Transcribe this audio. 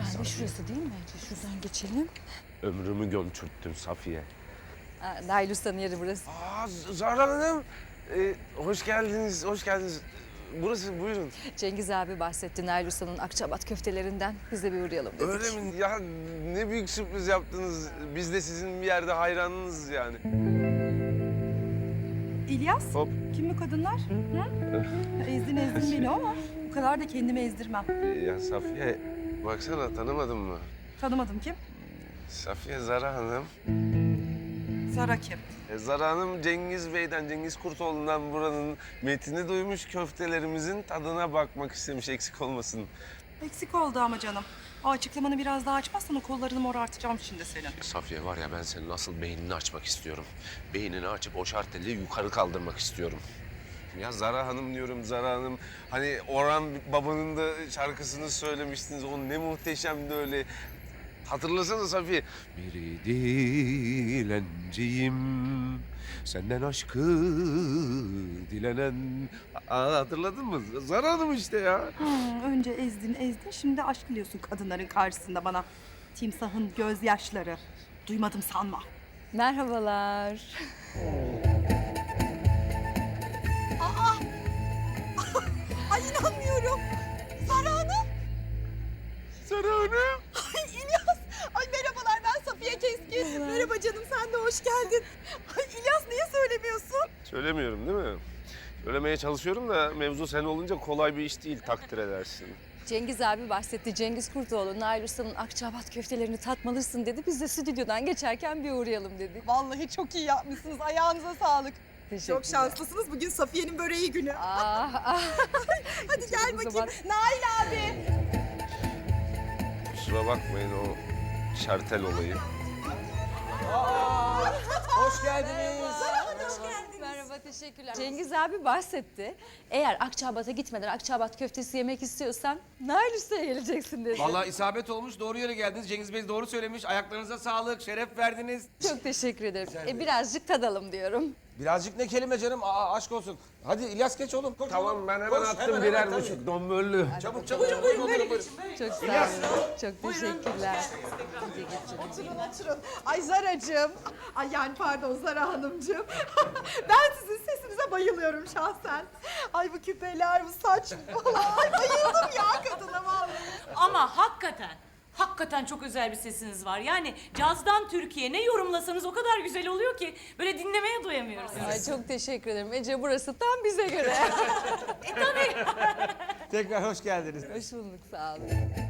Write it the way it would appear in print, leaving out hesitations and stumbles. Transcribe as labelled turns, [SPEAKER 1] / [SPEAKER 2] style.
[SPEAKER 1] Herhalde şurası değil mi? Şuradan geçelim.
[SPEAKER 2] Ömrümü gömçürttün Safiye.
[SPEAKER 1] Nail Usta'nın yeri burası.
[SPEAKER 2] Zahra Hanım. Hoş geldiniz, hoş geldiniz. Burası, buyurun.
[SPEAKER 1] Cengiz abi bahsetti Nail Usta'nın Akçabat köftelerinden. Biz de bir uğrayalım dedik.
[SPEAKER 2] Öyle mi? Ya ne büyük sürpriz yaptınız. Biz de sizin bir yerde hayranınız yani.
[SPEAKER 3] İlyas,
[SPEAKER 2] Hop.
[SPEAKER 3] kim bu kadınlar? Hı? Ezdin beni ama bu kadar da kendimi ezdirmem.
[SPEAKER 2] Ya Safiye, baksana tanımadın mı?
[SPEAKER 3] Tanımadım kim?
[SPEAKER 2] Safiye Zara Hanım.
[SPEAKER 3] Zara kim?
[SPEAKER 2] Zara Hanım Cengiz Bey'den, Cengiz Kurtoğlu'ndan buranın metini duymuş, köftelerimizin tadına bakmak istemiş, eksik olmasın.
[SPEAKER 3] Eksik oldu ama canım. O açıklamanı biraz daha açmazsan o kollarını morartacağım şimdi senin.
[SPEAKER 2] Safiye var ya, ben senin asıl beynini açmak istiyorum. Beynini açıp o şarteli yukarı kaldırmak istiyorum. Ya Zara Hanım diyorum, Zara Hanım. Hani Orhan Baba'nın da şarkısını söylemiştiniz. O ne muhteşemdi öyle. Hatırlasana Safiye. Bir dilenciyim, senden aşkı dilenen... hatırladın mı? Zara Hanım işte ya.
[SPEAKER 3] Önce ezdin, şimdi aşk diliyorsun kadınların karşısında bana. Timsahın gözyaşları. Duymadım sanma.
[SPEAKER 1] Merhabalar.
[SPEAKER 3] Ay inanmıyorum. Zara Hanım.
[SPEAKER 2] Zara Hanım.
[SPEAKER 3] Ay İlyas. Ay merhabalar, ben Safiye Keskin. Merhaba canım, sen de hoş geldin. Ay İlyas, niye söylemiyorsun?
[SPEAKER 2] Söylemiyorum değil mi? Söylemeye çalışıyorum da mevzu sen olunca kolay bir iş değil, takdir edersin.
[SPEAKER 1] Cengiz abi bahsetti. Cengiz Kurtoğlu, Nail Usta'nın Akçabat köftelerini tatmalısın dedi. Biz de stüdyodan geçerken bir uğrayalım dedik.
[SPEAKER 3] Vallahi çok iyi yapmışsınız. Ayağınıza sağlık.
[SPEAKER 1] Teşekkürler.
[SPEAKER 3] Çok şanslısınız. Bugün Safiye'nin böreği günü.
[SPEAKER 1] Ah.
[SPEAKER 3] Hadi gel
[SPEAKER 1] O
[SPEAKER 3] bakayım.
[SPEAKER 1] zaman-
[SPEAKER 3] Nail abi.
[SPEAKER 2] Kusura bakmayın o şartel olayı.
[SPEAKER 4] Hoş geldiniz.
[SPEAKER 1] Merhaba, teşekkürler. Cengiz abi bahsetti. Eğer Akçabat'a gitmeden Akçabat köftesi yemek istiyorsan Nail Usta'ya geleceksin dedi.
[SPEAKER 4] Vallahi isabet olmuş, doğru yere geldiniz. Cengiz Bey doğru söylemiş. Ayaklarınıza sağlık, şeref verdiniz.
[SPEAKER 1] Çok teşekkür ederim. Birazcık tadalım diyorum.
[SPEAKER 4] Birazcık ne kelime canım, aşk olsun. Hadi İlyas geç oğlum. Koş,
[SPEAKER 2] Tamam, ben hemen
[SPEAKER 4] Koş,
[SPEAKER 2] attım
[SPEAKER 4] hemen,
[SPEAKER 2] birer
[SPEAKER 4] tabii.
[SPEAKER 2] buçuk don böllü.
[SPEAKER 4] Çabuk çabuk. Buyurun.
[SPEAKER 1] Çok sağ olun. Çok teşekkürler.
[SPEAKER 3] Oturun. Ay Zaracığım. Ay yani pardon Zara Hanımcığım. Ben sizin sesinize bayılıyorum şahsen. Ay bu küpeler, bu saç falan. Ay bayıldım ya kadına vallahi.
[SPEAKER 5] Ama hakikaten çok özel bir sesiniz var. Yani cazdan Türkiye ne yorumlasanız o kadar güzel oluyor ki böyle dinlemeye doyamıyoruz.
[SPEAKER 1] Ay çok teşekkür ederim. Ece burası tam bize göre.
[SPEAKER 4] Tekrar hoş geldiniz.
[SPEAKER 1] Hoş bulduk, sağ olun.